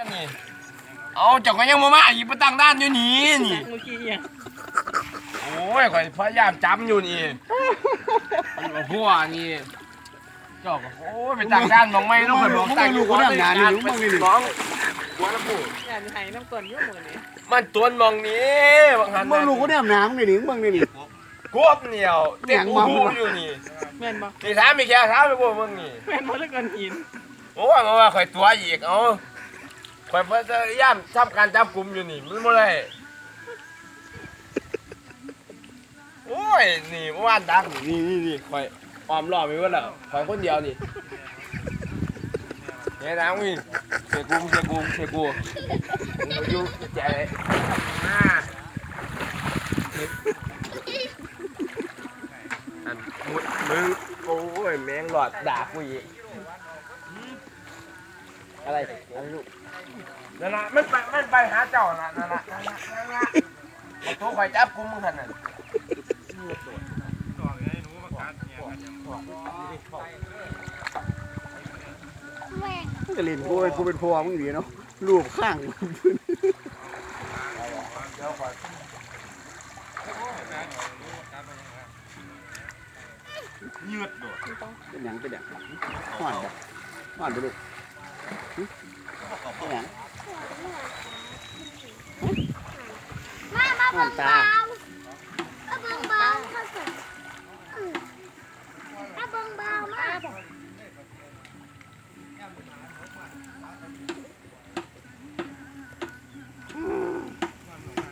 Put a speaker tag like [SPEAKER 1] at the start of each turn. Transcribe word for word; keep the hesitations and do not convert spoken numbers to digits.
[SPEAKER 1] นี่เอาเจ้าก็ยังมามาอีกไปตั้งด้านอยู่นี่นี่เมื่อกี้ยังโอ้ยข่อยพยายามจำอยู่นี่พวกนี่เจ้าก็โอ้ยไปตั้งด้านมองไม่ต้องไปบอกตั้งอยู่คนละงานนี่มึงนี่น้องหัวละปูงานไห้น้ำต้นยุ่งมือนี่มันตัวมองนี้บางหันมึงลูกก็ได้น้ำนี่นี่มึงนี่นี่กวบเหนียวเต็มหูอยู่นี่แม่นบ่ที่ถามมีแค่ถามไปบ่มึงนี่แม่นบ่แล้วกันหินโอ้ยมาว่าข่อยตัวอีกเอาข่อยพยายามทำการจับกลุ่มอยู่นี่มันบ่ได้โอ้ยนี่เมื่อวานดังนี่นี่นี่ข่อยออมรอบไปว่าแล้วข่อยคนเดียวนี่เนี่ยดังวิ่งเสียกูเสียกูเสียกูมึงอยู่ใจเลยอ่าอันมุดมึงโอ้ยแมงหลอดด่ากูอีกอะไรอะไรลูกนั่นละมันไปมันไปหาเจ้าน่ะนั่นละนั่นละนั่นละมาตัวข่อยจับกูมึงขนาด
[SPEAKER 2] จะเล่นกูกูเป็นพวมึงดีเนาะรูปข้างยืดด้วยเป็นหยังเป็นหยังห่อนบ่ห่อนไปลูกเป็นหยัง
[SPEAKER 3] มามาเบิ่งปลา